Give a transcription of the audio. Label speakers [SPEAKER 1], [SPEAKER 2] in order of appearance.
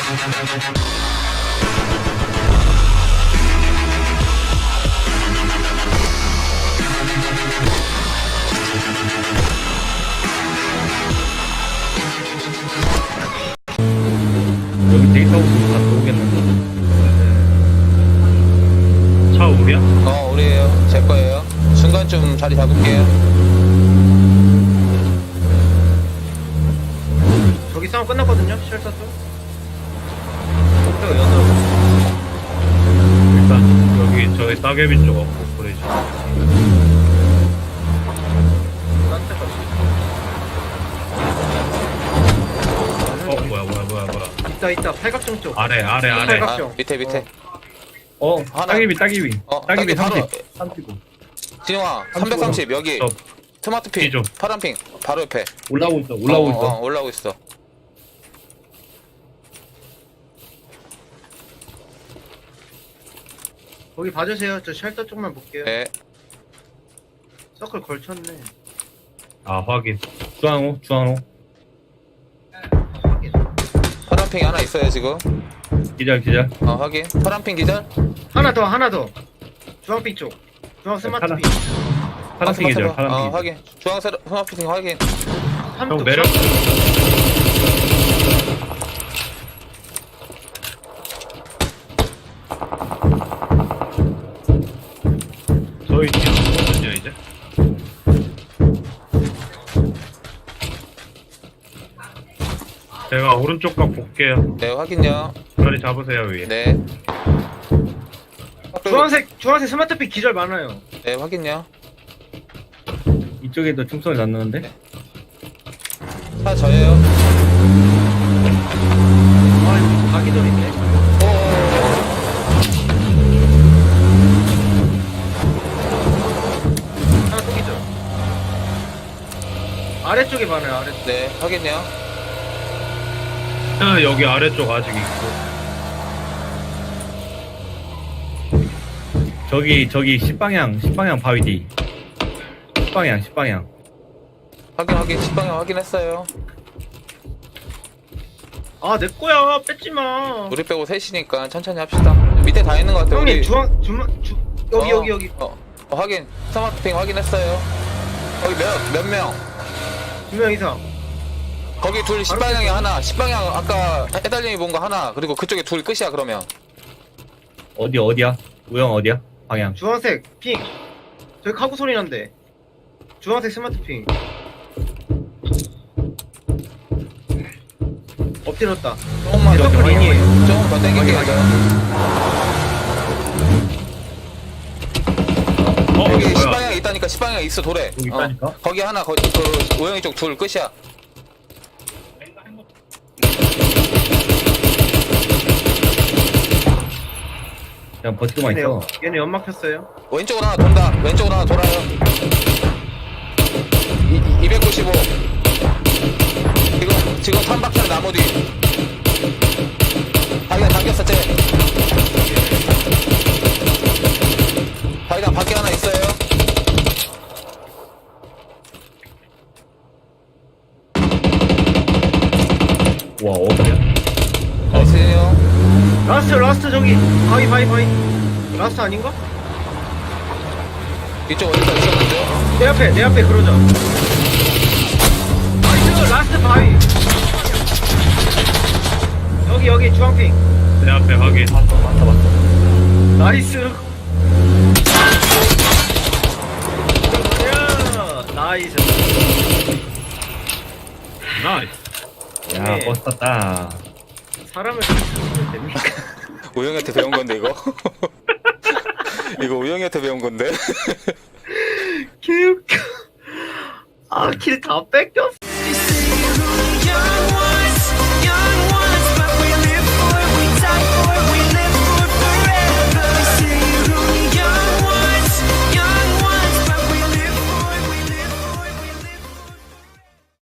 [SPEAKER 1] 여기 데이터 오면 다 들어오겠는데. 차 우리야?
[SPEAKER 2] 우리에요. 제 거예요. 순간 좀 자리 잡을게요.
[SPEAKER 3] 저기 싸움 끝났거든요. 쉘터 쪽.
[SPEAKER 1] 일단 여기 저기 따개비 쪽 없고 그러지. 뭐야.
[SPEAKER 3] 있다 팔각정 쪽.
[SPEAKER 1] 아래.
[SPEAKER 3] 팔각정.
[SPEAKER 2] 밑에. 하나.
[SPEAKER 1] 따개비.
[SPEAKER 2] 따개비 바로.
[SPEAKER 1] 35.
[SPEAKER 2] 진영아, 330 여기.
[SPEAKER 1] 저
[SPEAKER 2] 스마트 핑.
[SPEAKER 1] 뒤죠.
[SPEAKER 2] 파란 핑. 바로 옆에.
[SPEAKER 1] 올라오고 있어.
[SPEAKER 2] 올라오고 있어.
[SPEAKER 3] 거기 봐주세요. 저 쉘터 쪽만 볼게요.
[SPEAKER 2] 네.
[SPEAKER 3] 서클 걸쳤네.
[SPEAKER 1] 아, 확인. 중앙호.
[SPEAKER 3] 확인.
[SPEAKER 2] 파란 핑 하나 있어요 지금.
[SPEAKER 1] 기절.
[SPEAKER 2] 확인. 파란 핑 기절.
[SPEAKER 3] 하나 더. 주황빛 쪽. 주황 스마트 핑.
[SPEAKER 1] 파란색 기절.
[SPEAKER 2] 확인. 주황색 스마트 핑 확인.
[SPEAKER 1] 형 매력. 저희 뒤로 오거든요 이제. 제가 오른쪽 각 볼게요.
[SPEAKER 2] 네 확인요.
[SPEAKER 1] 자리 잡으세요 위에.
[SPEAKER 2] 네.
[SPEAKER 3] 주황색 스마트 핑 기절 많아요.
[SPEAKER 2] 네 확인요.
[SPEAKER 1] 이쪽에도 총소리 났는데.
[SPEAKER 2] 차 저예요.
[SPEAKER 3] 아, 이거 다 기절이네. 하나 또 기절. 아래쪽에 많아요. 아래쪽.
[SPEAKER 2] 네 확인요.
[SPEAKER 1] 여기 아래쪽 아직 있고. 저기 10방향 바위 뒤. 10방향.
[SPEAKER 2] 확인. 식빵이 확인했어요.
[SPEAKER 3] 아, 내 거야. 뺏지 마.
[SPEAKER 2] 우리 빼고 셋이니까 천천히 합시다. 밑에 다 있는 것 같아요.
[SPEAKER 3] 형님,
[SPEAKER 2] 우리.
[SPEAKER 3] 여기.
[SPEAKER 2] 확인. 스마트핑 확인했어요. 거기 몇 명?
[SPEAKER 3] 2명 이상.
[SPEAKER 2] 거기 둘 10방향에 하나. 10방향 아까 해달님이 본 거 하나. 그리고 그쪽에 둘 끝이야 그러면.
[SPEAKER 1] 어디야? 우영 어디야? 방향.
[SPEAKER 3] 주황색 핑. 저기 카고 소리 난대. 주황색 스마트 핑. 엎드렸다.
[SPEAKER 2] 조금만 더
[SPEAKER 3] 서클 인이에요.
[SPEAKER 2] 조금 더 땡길게요. 여기
[SPEAKER 1] 뭐야?
[SPEAKER 2] 10방향 있다니까 10방향 있어 돌에.
[SPEAKER 1] 여기 있다니까?
[SPEAKER 2] 거기 하나 그 오영이 쪽 둘 끝이야.
[SPEAKER 1] 그냥 버티고만 있어.
[SPEAKER 3] 얘네 연막 폈어요.
[SPEAKER 2] 왼쪽으로 하나 돈다. 왼쪽으로 하나 돌아요. 295. 지금 3박스는 나무 뒤. 자기가 당겼어, 쟤. 자기가 밖에 하나 있어요.
[SPEAKER 1] 와 어디야?
[SPEAKER 2] 나이스요.
[SPEAKER 3] 라스트 저기. 바위. 라스트 아닌가?
[SPEAKER 2] 이쪽 어디서 있었는데?
[SPEAKER 3] 내 앞에 그러자. 나이스 라스트 바위. 여기 주황핑.
[SPEAKER 1] 내 앞에 확인. 맞다.
[SPEAKER 3] 나이스. 야, 나이스.
[SPEAKER 1] 나이스. 야
[SPEAKER 3] 네.
[SPEAKER 1] 버스 탔다.
[SPEAKER 3] 사람을 죽이면 됩니까?
[SPEAKER 2] 우영이한테 배운 건데, 이거? 이거 우영이한테 배운 건데?
[SPEAKER 3] 개웃겨. 아, 킬 다 뺏겼어.